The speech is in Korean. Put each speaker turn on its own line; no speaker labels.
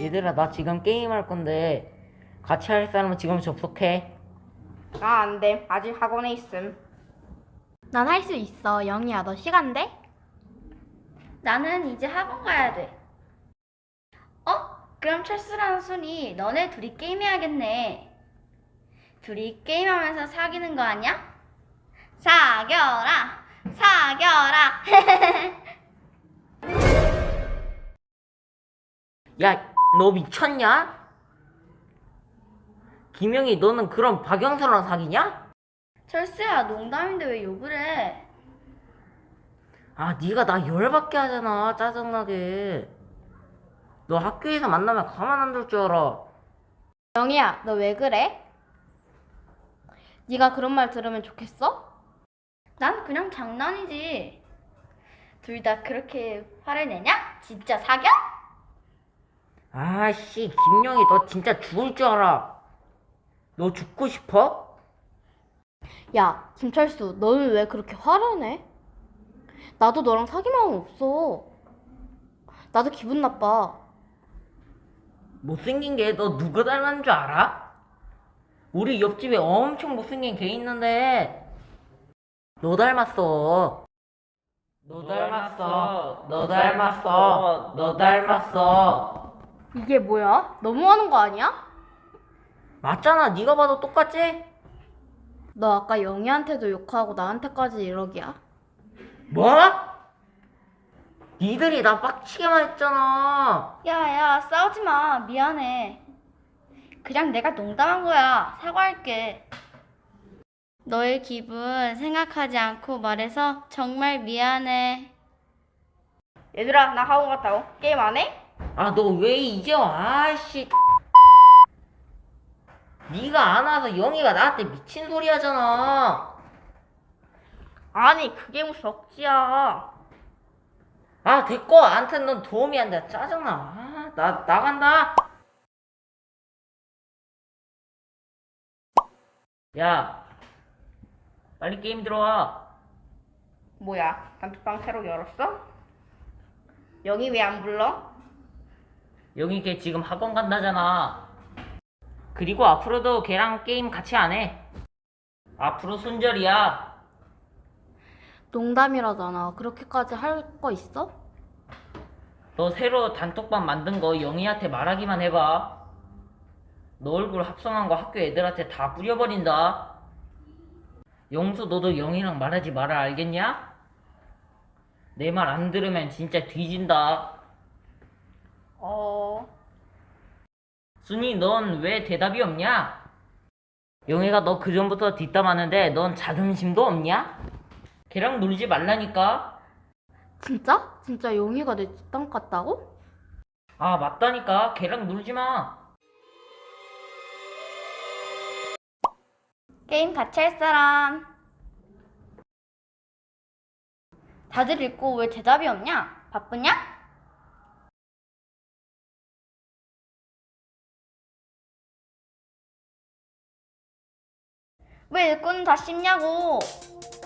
얘들아, 나 지금 게임할 건데 같이 할 사람은 지금 접속해.
나 안 돼. 아직 학원에 있음.
난 할 수 있어. 영희야, 너 시간 돼?
나는 이제 학원 가야 돼. 그럼 철수랑 순이 너네 둘이 게임해야겠네. 둘이 게임하면서 사귀는 거 아니야? 사겨라! 사겨라!
야, 너 미쳤냐? 김영희, 너는 그럼 박영수랑 사귀냐?
철수야, 농담인데 왜 욕을 해?
아, 네가 나 열받게 하잖아. 짜증나게. 너 학교에서 만나면 가만 안 둘 줄 알아.
영희야, 너 왜 그래? 네가 그런 말 들으면 좋겠어?
난 그냥 장난이지. 둘 다 그렇게 화를 내냐? 진짜 사겨?
아씨, 김영희, 너 진짜 죽을 줄 알아. 너 죽고 싶어?
야, 김철수, 너는 왜 그렇게 화를 내? 나도 너랑 사귈 마음 없어. 나도 기분 나빠.
못생긴 게 너 누구 닮았는 줄 알아? 우리 옆집에 엄청 못생긴 개 있는데 너 닮았어. 너 닮았어. 너 닮았어. 너 닮았어.
이게 뭐야? 너무하는 거 아니야?
맞잖아. 네가 봐도 똑같지?
너 아까 영희한테도 욕하고 나한테까지 이러기야?
뭐? 니들이 나 빡치게만 했잖아.
야, 싸우지 마. 미안해. 그냥 내가 농담한 거야. 사과할게. 너의 기분 생각하지 않고 말해서 정말 미안해.
얘들아, 나 학원 갔다고. 게임 안 해?
아, 너 왜 이제 와? 아씨. 네가 안 와서 영희가 나한테 미친 소리 하잖아.
아니, 그게 무슨 억지야.
아, 됐고. 암튼 넌 도움이 안 돼. 짜증나. 아, 나 나간다. 야, 빨리 게임 들어와.
뭐야, 단톡방 새로 열었어? 영희 왜 안 불러?
영희 걔 지금 학원 간다잖아. 그리고 앞으로도 걔랑 게임 같이 안 해. 앞으로 손절이야.
농담이라잖아. 그렇게까지 할 거 있어?
너 새로 단톡방 만든 거 영희한테 말하기만 해봐. 너 얼굴 합성한 거 학교 애들한테 다 뿌려버린다. 영수, 너도 영희랑 말하지 마라, 알겠냐? 내 말 안 들으면 진짜 뒤진다. 순이, 넌 왜 대답이 없냐? 영희가 너 그전부터 뒷담하는데 넌 자존심도 없냐? 걔랑 놀지 말라니까.
진짜? 진짜 영희가 내 뒷담 같다고?
아, 맞다니까. 걔랑 놀지 마.
게임 같이 할 사람. 다들 읽고 왜 대답이 없냐? 바쁘냐? 왜 읽고는 다 씹냐고.